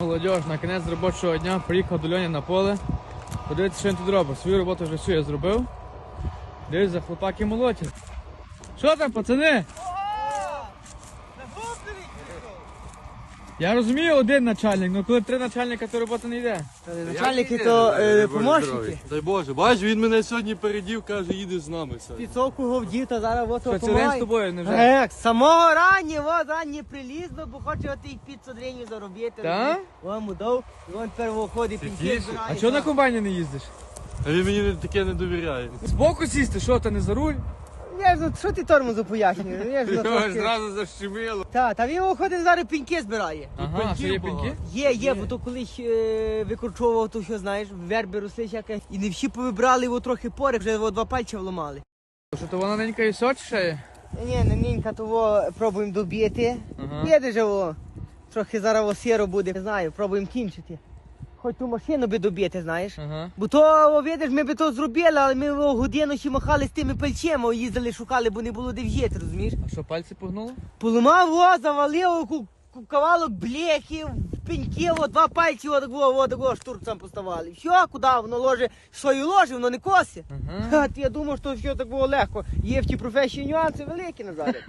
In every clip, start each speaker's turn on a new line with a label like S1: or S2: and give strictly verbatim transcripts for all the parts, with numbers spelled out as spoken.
S1: Молодіж, на кінець робочого дня приїхав до Льоні на поле. Подивіться, що він тут робить. Свою роботу вже всю я зробив. Дивіться, хлопаки молотять. Що там, пацани? Я розумію, один начальник, але коли три начальника, то робота не йде.
S2: Начальники то е, помощники.
S3: Дай Боже, бач, він мене сьогодні передів, каже, їдеш з нами.
S2: Підсовку говдів, та зараз от
S1: Що, це день з тобою, невже?
S2: Ек, самого ранні, от ранні прилізло, бо хоче от їх п'ятсот гривень заробити.
S1: Так?
S2: Вон му дав, і вон тепер виходить пінки
S3: тише.
S2: збирає.
S1: А чого на комбайні не їздиш?
S3: А він мені не- таке не довіряє.
S1: Збоку сісти, що, та не за руль?
S2: Я ж, ну, що ти тормозу пояснюєш? Я ж, ну, трошки...
S3: зразу защемило.
S2: Та, та він виходить зараз пінки збирає.
S1: Ага, а що є пінки?
S2: Є, є, бо то колись е, викорчовував, то що знаєш, верби росли всяке. І не всі повибрали його трохи пори, вже о, два пальця вломали.
S1: Що, то вона ненька і сочі ще є?
S2: Ні, не нінька, того пробуємо доб'єти.
S1: Ага.
S2: Їде же о, трохи зараз о сіро буде, не знаю, пробуємо кінчити. Хоч ту машину би доб'єти, знаєш.
S1: Ага.
S2: Бо то, о, видиш, ми би то зробили, але ми о, годину ще махали з тими пальцями, їздили, шукали, бо не було де в'їти, розумієш?
S1: А що, пальці погнуло?
S2: Поламав, о, завалив ку- ку- кавалок бляхів, пеньків, о, два пальці, о, такого, о, такого штурцем поставали. Все, куди воно ложе, свою ложе, воно не косе.
S1: Ага.
S2: Ха, я думав, що все так було легко. Є в тій професії нюанси великі, Назаре.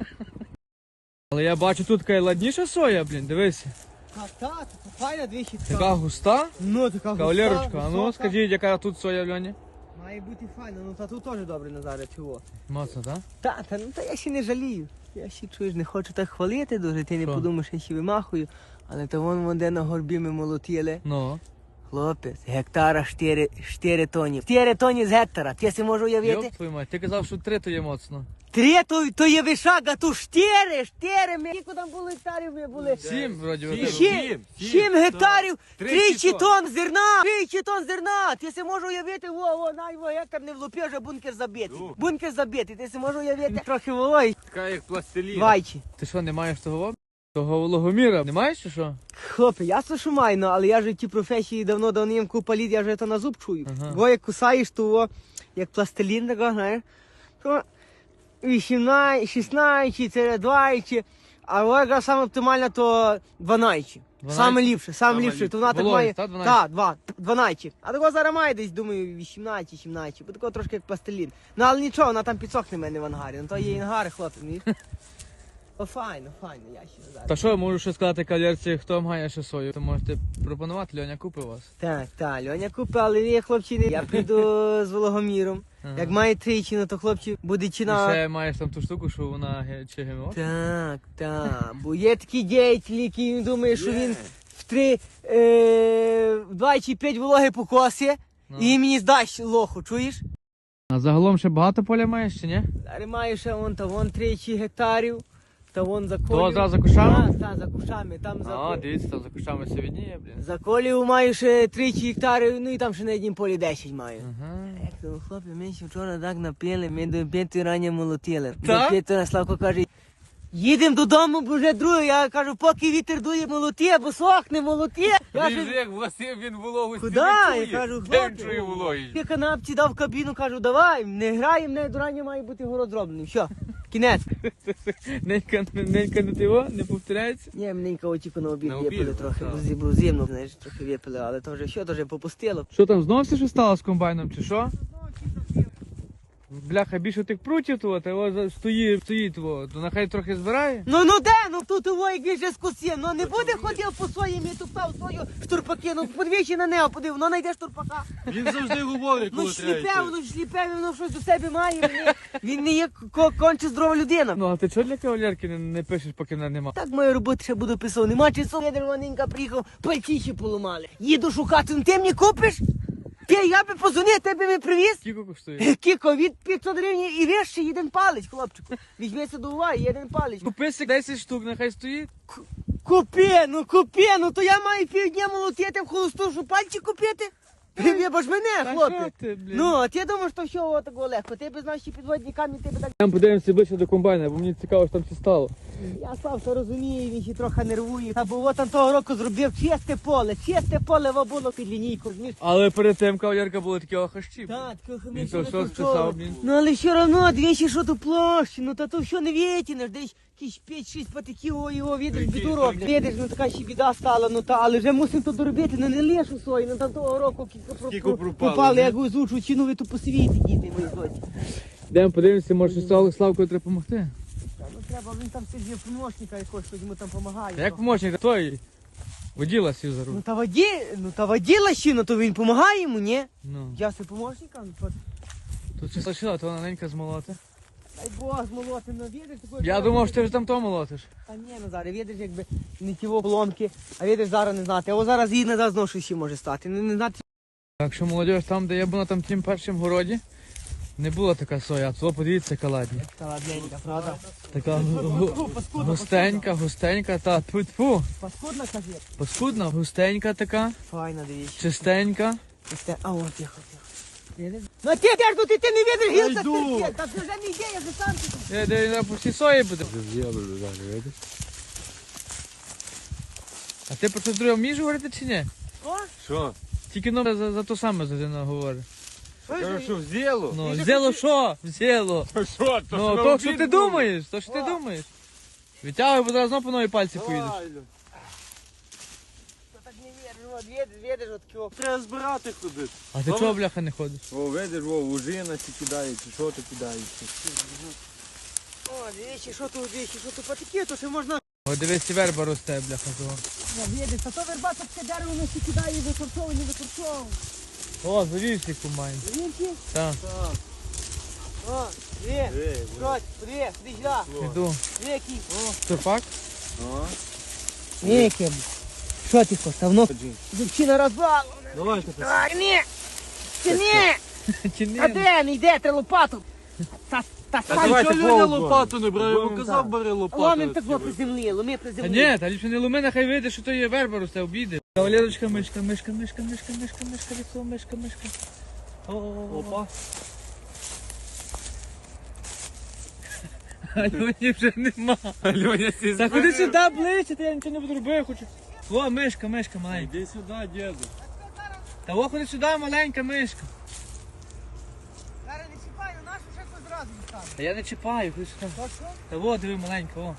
S1: Але я бачу, тут така ладніша соя, блін, дивися.
S2: Так, так, файна двічі.
S1: Така густа.
S2: Ну, така густа,
S1: Кавалерочка, а ну
S2: висока.
S1: скажіть, яка тут соя в Льоні?
S2: Має бути файна, ну та тут теж добре, Назаре, чого.
S1: Моцно, так?
S2: Та, та, ну та я ще не жалію. Я ще, чуєш, не хочу так хвалити дуже, ти не
S1: Що?
S2: подумаєш, я ще вимахую. Але то вон вон де на горбі ми молотіли.
S1: Ну.
S2: Хлопець, гектара чотири тоні. чотири тоні з гектара, ти си можеш уявити?
S1: Йоп твою мать, ти казав, що три то є моцно.
S2: Три то, то є вишак, а то чотири, чотири. Ми, скільки там було гектарів ми були?
S1: Сім, вроді, ви
S3: Сім.
S1: тебе.
S2: Сім,
S3: Сім,
S2: сім гектарів,
S1: Тричі
S2: тричі
S1: тонн.
S2: тонн зерна, тричі тонн зерна. Ти си можеш уявити, во, во, на його гектар не влупив, вже бункер забитий.
S3: Ну.
S2: Бункер забитий, ти си можеш уявити. Трохи вологий,
S3: Така як пластилін.
S2: вайчі.
S1: Ти що, не маєш того? Того вологоміра? Не маєш чи що?
S2: Хлопе, ясно, що маю, ну, але я ж в тій професії давно давним купа літ, я вже то на зуб чую.
S1: Ага.
S2: Бо як кусаєш, то во, як пластилін, такого, знаєш, то вісімнадцять, шістнадцять, це двадцять, а во якраз саме оптимально, то дванадцять.
S1: дванадцять?
S2: Саме ліпше, саме
S3: Саме
S2: ліпше, то вона так
S1: Вологість,
S2: має,
S1: та, дванадцять?
S2: так, два, дванадцять. А такого зараз має десь, думаю, вісімнадцять, сімнадцять, бо такого трошки як пластилін. Ну, але нічого, вона там підсохне в мене в ангарі, ну то є інгари, хлопці, ні? О, файно, файно, я ще зараз.
S1: Та що, можу ще сказати кавалерці, хто має ще сою? То можете пропонувати, Льоня купив вас.
S2: Так, так, Льоня купив, але ні, хлопці, не- я прийду з Вологоміром.
S1: Ага.
S2: Як має тричі, ну то хлопці буде
S1: І
S2: чина.
S1: ще маєш там ту штуку, що вона ге- чи ГМО?
S2: Так, так, бо є такі діятелі, які думають, що він в три, е, в два чи п'ять вологи покоси
S1: Ну.
S2: і мені здасть лоху, чуєш?
S1: А загалом ще багато поля маєш чи ні?
S2: Зараз маю ще вон, та вон тричі гектарів, та вон за колію.
S1: То зразу за кущами?
S2: Так, так, за кущами, там за
S1: А,
S2: колію.
S1: дивіться, там за кущами все відніє, блін.
S2: За колію маю ще тричі гектарів, ну і там ще на однім полі десять маю.
S1: Ага.
S2: Як то, хлопці, ми ще вчора так напили, ми до п'ятої рані молотили.
S1: Так?
S2: До п'ятої Славко каже, їдемо додому, бо вже друге. Я кажу, поки вітер дує, молоти, бо сохне, молоти. Я
S3: Він
S2: ж...
S3: же як власив, він вологу
S2: Куди?
S3: не
S2: Я кажу,
S3: чує. Де він
S2: хлопці.
S3: чує вологість?
S2: Я канапці дав в кабіну, кажу, давай, не граємо, не до рання має бути город зроблений. Все, кінець.
S1: Ненька, ненька не тиво, не повторяється?
S2: Ні, мененька отіку на обід
S3: На
S2: випили
S3: обід,
S2: трохи,
S3: так.
S2: бо зі- бо зимно, знаєш, трохи випили, але то вже що, то вже попустило.
S1: Що там, знов все що стало з комбайном, чи що? Бляха, більше тих прутів того, та його за- стоїть, стоїть того, то нехай трохи збирає.
S2: Ну, ну де, ну тут його як він вже скусив, ну не буде ходив по своїм і туптав свою штурпаки, ну подвічі на нього подив, ну знайде штурпака.
S3: Він завжди говорить,
S2: Ну
S3: коли треба
S2: шліпе,
S3: йти.
S2: воно шліпе, воно щось до себе має, він не, він не є ко- конче здорова людина.
S1: Ну, а ти чого для кавалерки не, не пишеш, поки мене нема?
S2: Так мою роботу ще буду писав, нема часу, я дереваненька приїхав, пальці поламали. Їду шукати, ну ти мені купиш? Ти, я би позвонив, тебе би привіз.
S1: Скільки коштує?
S2: Кіко, від п'ятсот гривень і вище один палець, хлопчику. Візьмися до уваги, один палець.
S1: Купи си десять штук, нехай стоїть.
S2: Купи, ну купи, ну то я маю півдня молотити в холосту, щоб пальці купити. Вибач мене,
S1: Та
S2: хлопець.
S1: що ти, блін?
S2: Ну, а ти думаєш, що все отако легко. Ти б знав, що підводні камні, ти б так...
S1: Там подивимося ближче до комбайна, бо мені цікаво, що там все стало.
S2: Я сам все розумію, він ще трохи нервує. Та бо от там того року зробив чисте поле, чисте поле во було під лінійку, розумієш?
S1: Але перед тим кавалерка були такі охащі.
S2: Так, таке
S1: Він
S2: хомяче
S1: то
S2: не
S1: що
S2: контролює.
S1: списав, блін.
S2: Ну але все одно, двічі що ту площу, ну та то все не витягнеш, десь якісь п'ять-шість патиків, о, його, видиш, біду роблять. Видиш, ну така ще біда стала, ну та, але вже мусимо то доробити, ну не лишу свої, ну там того року кілька про-
S3: Скільки
S2: про-
S3: пропало,
S2: пропали,
S3: не?
S2: як озвучу, ціну ви ту посвіти, діти мої злоті.
S1: Йдемо подивимося, може Слав- Славкою треба допомогти.
S2: Та, ну треба, він там сидів помощника якогось, хто йому там допомагає.
S1: А як помощник, той воділа сів за руль.
S2: Ну та воді, ну та воділа ще, ну то він допомагає йому, ні?
S1: Ну.
S2: Я свій помощника, ну то...
S1: Тут все лишила, то маленька змолоти.
S2: Дай Бог, молоти, ну видиш, такої...
S1: Я думав, що ти вже там то молотиш.
S2: Та ні, ну зараз, видиш, якби не ті поломки, а видиш, зараз не знати. А ось зараз її назад знову щось ще може стати. Не, не знати.
S1: Так що молодіж, там, де я був на там тім першому городі, не була така соя, а то подивіться, яка ладня.
S2: Та ладненька, правда?
S1: Така гу-
S2: Паскудна,
S1: густенька, густенька, та тьфу-тьфу.
S2: Паскудна, кажи.
S1: Паскудна, густенька така,
S2: Файна, дивіться.
S1: чистенька.
S2: Ось те- А, от, тихо, тихо. Видиш? Ну ти, як тут, ти, ти не видиш гілка
S3: йду.
S2: стерпє. Та ти вже не йде, я вже сам тут.
S1: Де, де, де по всій сої буде.
S3: видиш?
S1: А ти про щось друге вмієш говорити чи ні?
S2: О,
S3: Що?
S1: Тільки ну, за, за то саме Зазина говорить.
S3: Кажу, що взяло?
S1: Ну, взяло що? Взяло.
S3: Що? То,
S1: Ну, то, що ти думаєш, то, що ти думаєш. Витягуй, бо зараз знову по новій пальці поїдеш.
S2: Та так не віриш, от, видиш, видиш, от кого.
S3: Треба збирати ходити.
S1: А ти чого, бляха, не ходиш?
S3: О, видиш, о, ужина ці кидається, що ти кидається.
S2: О, дивіться, що тут, дивіться, що тут потеки, то ще можна...
S1: О, дивись, і верба росте, бляха, того.
S2: Ну, видиш, а то верба таке дерево, воно ще кидає, викорчовує, не викорчовує.
S1: О, завівся комбайн.
S2: Вінки?
S1: Так,
S2: О, дві,
S3: Диви,
S2: що, дві, сюди сюди.
S1: іду.
S2: Дві, які.
S1: Турпак?
S3: о.
S2: Які. Що ти хочеш, давно? Дівчина розбала.
S3: Давайте.
S2: А, ні. Чи ні?
S1: Чи ні?
S2: А де, не йде, треба лопату. Та, та,
S3: А
S2: та,
S3: давайте
S2: що
S3: Льоня
S2: ви-
S3: лопату не брав, я
S2: Будемо
S3: йому казав,
S2: так.
S3: бери лопату.
S2: Ломим так при землі, ломи при
S1: Та
S2: землі.
S1: ні, та ліпше не луми, нехай вийде, що то є верба росте, обійде. Кавалерочка, мишка, мишка, мишка, мишка, мишка, мишка, лісо, мишка, мишка. О,
S3: Опа.
S1: Альоні вже нема.
S3: Льоня, сі
S1: Та ходи сюди ближче, та я нічого не буду робити, я хочу. О, мишка, мишка маленька.
S3: Іди сюди, діду.
S1: Та о, ходи сюди, маленька мишка.
S2: Зараз не чіпай, на нашу ще хтось зразу відстане.
S1: Та я не чіпаю, ходи сюди.
S2: Та що?
S1: Та о, диви, маленька, о.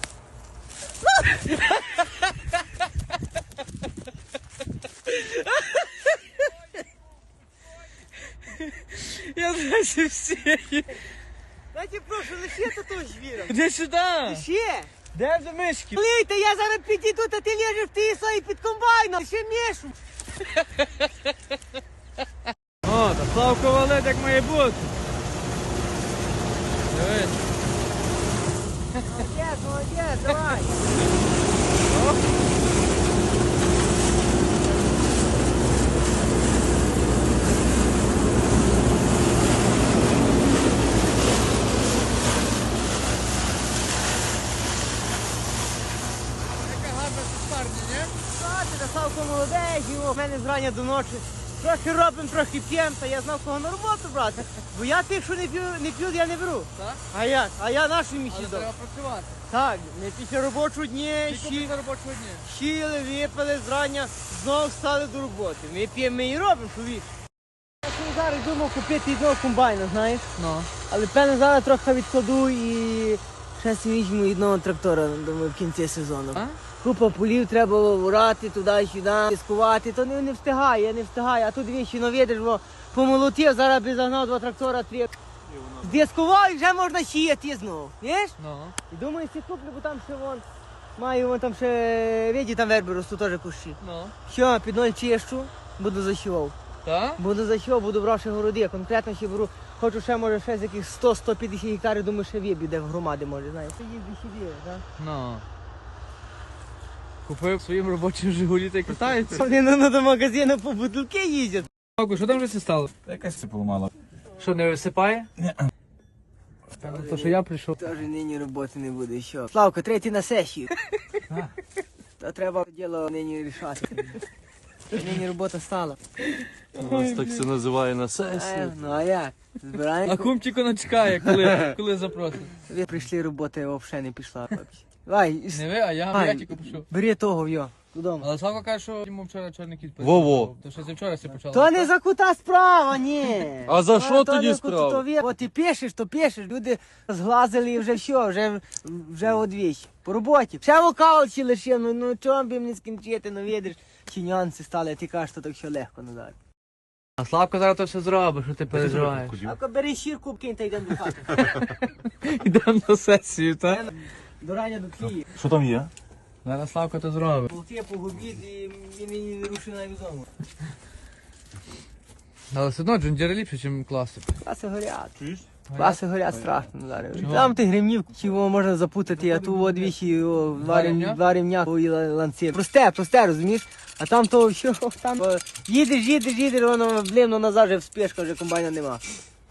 S1: Я знаю всі.
S2: Дайте прошу, лише того звіра.
S1: Іди сюди.
S2: Ще.
S1: Де вже мишки?
S2: Лийте, я зараз підійду, та ти лежиш в тій сої під комбайном. Ще мішу.
S1: О, та Славко валить, як має бути. Дивись.
S2: Молодець, молодець, давай.
S1: Яка гарна сусарня, ні?
S2: Бачите, та Савко молодець, його в мене зрання до ночі. Трохи робимо, трохи п'ємо, та я знав, кого на роботу брати. Бо я тих, що не п'ю, не п'ю, я не беру.
S1: Так?
S2: А як? А я нашу
S1: Але
S2: місію дав.
S1: треба працювати.
S2: Так, ми після робочого дня
S1: Тільки
S2: щі,
S1: після робочого дня.
S2: щіли, випили зрання, знову встали до роботи. Ми п'ємо, ми і робимо, що віш. Я собі зараз думав купити одного комбайна, знаєш?
S1: Ну.
S2: Але певно зараз трохи відкладу і ще собі візьму одного трактора, думаю, в кінці сезону.
S1: А?
S2: Купа полів треба орати туди-сюди, дискувати, то не, не встигає, я не встигаю. А тут вічі, ну видиш, бо помолотів, зараз би загнав два трактора, три. Здискував і вже можна сіяти знову. Знаєш?
S1: Ну.
S2: І думаю, ці куплю, бо там ще вон, маю вон там ще, виді, там верби ростуть теж кущі.
S1: Ну.
S2: Що, під ноль чищу, буду засівав.
S1: Так?
S2: Буду засівав, буду брав ще городи, конкретно ще беру, хочу ще, може, ще з яких сто сто п'ятдесят гектарів, думаю, ще виб'ю, де в громади, може, знаєш. Це їздить ще вірю, так?
S1: Ну. Купив своїм робочим Жигулі та й катається.
S2: Вони ну, до магазину по бутилки їздять.
S1: Славко, що там вже це стало?
S3: Якась це поламала.
S1: Що, не висипає? Ні. То, що я прийшов.
S2: Тож нині роботи не буде, що? Славко, третій на сесію. То треба діло нині рішати. Нині робота стала.
S3: У нас так це називає на
S2: Е,
S3: сесії.
S2: Ну а як?
S1: А
S2: Збираємо.
S1: кумчик не чекає, коли, коли запросить.
S2: Ви прийшли, робота взагалі не пішла. хлопці. Давай,
S1: Не ви, а я,
S2: Ай.
S1: я тільки пишу.
S2: бери того, йо, додому.
S1: Але Славко каже, що йому вчора чорний кіт
S3: Во-во.
S1: То що це вчора все почало.
S2: То не за кута справа, ні.
S3: А за
S2: То-
S3: що
S2: то
S3: тоді
S2: не кута,
S3: справа?
S2: то ви- От ти пишеш, то пишеш. Люди зглазили і вже все, вже, вже одвічі. По роботі. Ще вокал чи лише, ну, ну чому б їм не скінчити, ну видиш, чи нюанси стали, а ти кажеш, що так що легко назад.
S1: А Славко зараз то все зробить, що ти переживаєш.
S2: А бери щірку, кинь та йдемо до хати.
S1: Йдемо на сесію, так?
S2: До рання до Києва.
S4: Що там є?
S1: Зараз Славко то зробить.
S2: Болти погубіть і він мені не рушив навіть вдома.
S1: Але все одно джундіри ліпше, ніж класик.
S2: Класи горять.
S4: Чуєш?
S2: Класи горять страшно зараз.
S1: Чого?
S2: Там ти гримнів, чого можна запутати, а ту одвічі, о, два
S1: рівня?
S2: рівня, два рівня о, і ла- ланці. Просте, просте, розумієш? А там то що, там о, їдеш, їдеш, їдеш, воно блимно назад вже в спешка, вже комбайна нема.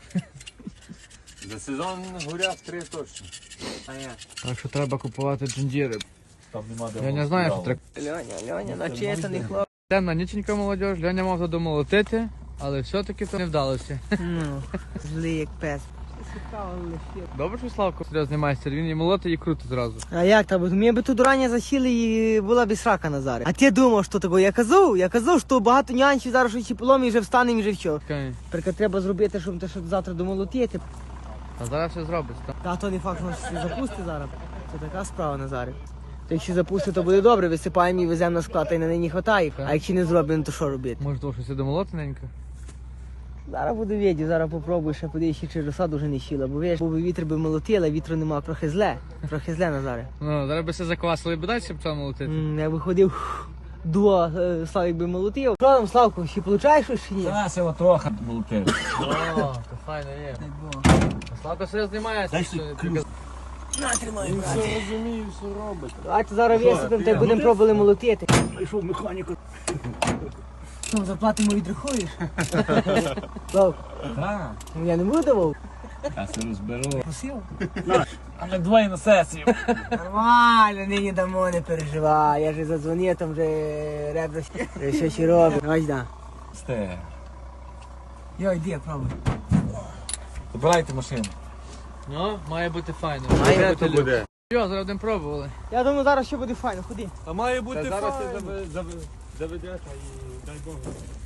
S4: За сезон горять три точно.
S2: А я.
S1: Так що треба купувати джундіри.
S4: Там нема де.
S1: Я не знаю, що треба.
S2: Льоня, Льоня, начесаний хлоп.
S1: Темна ніченька молодь, Льоня мав задомолотити, але все-таки то не вдалося.
S2: Ну, злий як пес. Цікаво лише.
S1: Добре, що Славко серйозний майстер, він і молоти, і круто зразу.
S2: А як там? Ми би тут рання засіли і була б срака Назаре. А ти думав, що такого? Я казав, я казав, що багато нюансів зараз що полом і вже встанемо і вже все.
S1: Чекай.
S2: Тільки треба зробити, щоб те, щоб завтра домолотити.
S1: А зараз все зробиться, так?
S2: Та то не факт, що щось запусти зараз. Це така справа Назаре. То якщо запусти, то буде добре, висипаємо і веземо на склад, та й на неї не хватає. А якщо не зробимо, то що робити?
S1: Може, того щось і домолотененько?
S2: Зараз буду віді, зараз попробую ще подивитися, чи розсаду вже не щіла, бо віж, бо вітер би молотила, вітру нема, трохи зле, трохи зле Назаре.
S1: Ну, зараз би все заквасили, би далі почав молотити.
S2: М, Я виходив, дуа, е, Славік би молотив. Що там, Славко, ще получаєш щось чи ні?
S4: Та, село трохи молоте.
S1: О, то файно є. А Славко серйозний майстер.
S4: Дай
S1: що
S4: сюди
S1: ти
S4: ключ.
S1: казав.
S2: На, тримай,
S3: Він
S2: брате.
S3: все розуміє, все робить.
S2: Давайте зараз висипемо, та й будемо пробували молотити.
S4: Прийшов механіку.
S2: Ну, зарплату ми відрахуєш? Слав,
S4: Так,
S2: ну я не буду давав.
S4: я все розберу.
S2: Просив?
S4: А ми двоє на сесію.
S2: Нормально, нині дамо, не переживай. Я ж задзвонив, там вже ребра ще- ще ще робить. Ось да.
S4: Сте.
S2: Йо, йди, пробуй.
S4: Забирайте машину.
S1: Ну, має бути файно.
S2: Має
S1: Має
S2: бути
S1: бути буде. Йо, зараз будемо пробували.
S2: Я думаю, зараз ще буде файно, ходи.
S3: А має бути
S4: Та зараз
S3: файно.
S4: ти заве- заве- заведеш, а і дай Бог.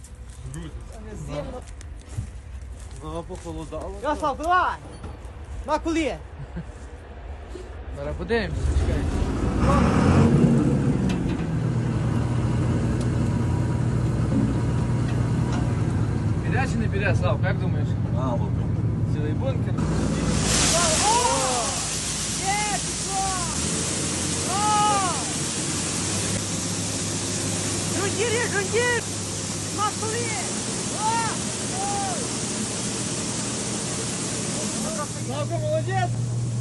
S3: Ага, похолодало.
S2: Я, Славко, давай! На коли?
S1: Зараз подивимося, чекай. Піде чи не піде, Славко, як думаєш?
S4: А, вот.
S1: Цілий бункер.
S2: Жундір, є, жундір! На коли?
S1: Славко, молодець!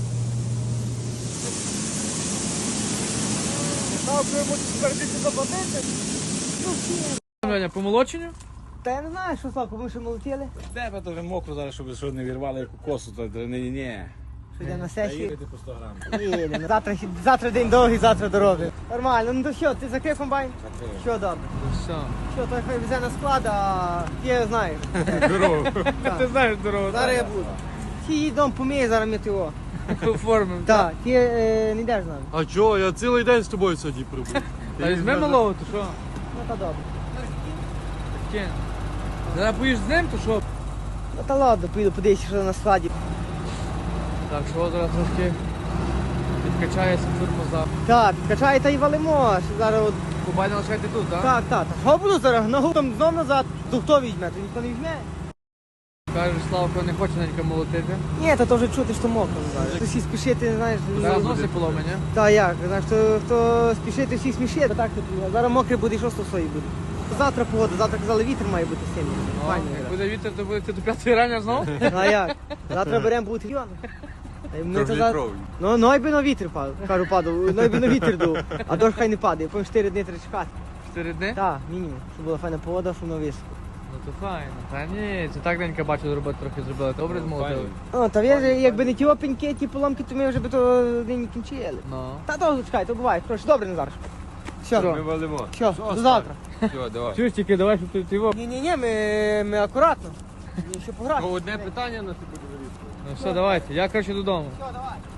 S2: Славко, йому тепер більше заплатити?
S1: Льоня, по молоченню?
S2: Та я не знаю, що Славко, ми ще молотили.
S4: Тебе то вже мокро зараз, щоб що не вірвали яку косу, то ні, ні, ні.
S2: Що йдемо на
S4: Та
S2: сесію?
S4: їдете по сто грам.
S2: Їдемо. Завтра, завтра день довгий, завтра дороги. Нормально, ну то що, ти закрив комбайн? Що добре?
S1: Ну все.
S2: Що, той хай везе на склад, а я знаю.
S1: Дорогу. Ти знаєш дорогу.
S2: Зараз я буду. Ти їдом помієш, зараз ми його.
S1: Оформимо.
S2: Так, ти е, не йдеш з нами.
S3: А чого? Я цілий день з тобою сьогодні пробув.
S1: Та візьми малого, то що?
S2: Ну та добре.
S1: Кін. Зараз поїш з ним, то що?
S2: Ну та ладно, поїду подивитися, що на складі.
S1: Так, що зараз трошки підкачається турбоза.
S2: Так, підкачай та й валимо. Що зараз от...
S1: Кубайна лишайте тут, так?
S2: Так, так, так. Що буду зараз? Ногу там знов назад. То хто візьме? То ніхто не візьме.
S1: Кажеш, Славко не хоче ненька молотити.
S2: Ні, то вже чути, що мокро зараз. Хто всі спішити, знаєш.
S1: Зараз носи поломані.
S2: Та як, знаєш, хто, хто спішити, всі смішити. Так, то зараз мокре буде, і що сто свої буде. Завтра погода, завтра казали, вітер має бути сильний.
S1: Ну,
S2: Файно.
S1: як буде вітер, то будете до п'ятої рання знову?
S2: Ну а як? Завтра беремо бути район. Ми то за...
S3: Трьохлітровий.
S2: Ну, ну, й би на вітер падав, кажу, падав, ну, й би на вітер дув, а дощ хай не падає, потім чотири дні треба чекати.
S1: Чотири дні?
S2: Так, мінімум, щоб була файна погода, щоб на високо.
S1: Ну то файно. Та ні, це так денька бачу, зробити трохи зробили. Добре змолотили.
S2: О, та ви ж, якби не ті опеньки, ті поломки, то ми вже би то нині кінчили.
S1: Ну.
S2: Та довго чекай, то буває, коротше, добре, Назар. Все,
S3: Ми валимо.
S2: все, до завтра.
S3: Все, давай.
S1: Чуєш, тільки давай, щоб ти ти його.
S2: Ні-ні-ні, ми, ми акуратно. Ми ще пограти.
S3: Ну, одне питання на тебе буде вирішувати.
S1: Ну все, давайте, я коротше додому.
S2: Все, давай.